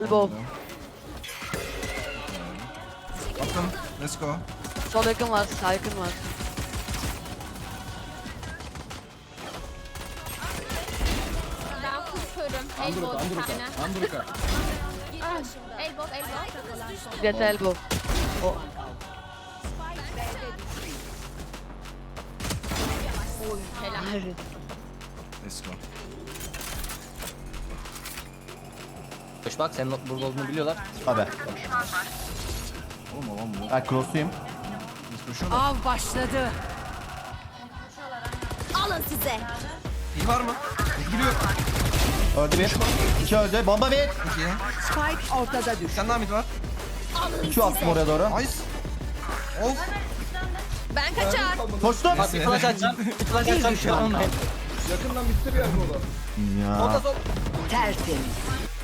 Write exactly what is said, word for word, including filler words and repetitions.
Elbow. Attım. Let's go. Sol yakın var, sağ yakın var. Ben kusuyorum. Andruka, Elbow bir Andruka, tane. Andruka. Ah, Elbow, elbow. Get elbow. O. Helal. Let's go. Koş bak senin burada olduğunu biliyorlar. Abi. Oğlum oğlum bu. Ben cross'uyum. Biz koşuyorlar. Av başladı. Alın size. İyi var mı? Giriyor. Öldü bir. İki öldü. Bomba bir. İki. Spike ortada Bir düştü. tane daha mid var. İki attım oraya doğru. Nice. Of. Ben kaçar. Koştum. Bak bir flash atacağım. Bir flash atacağım şu an. Yakından bitti bir yer bu. Ya. Sol. Tertemiz.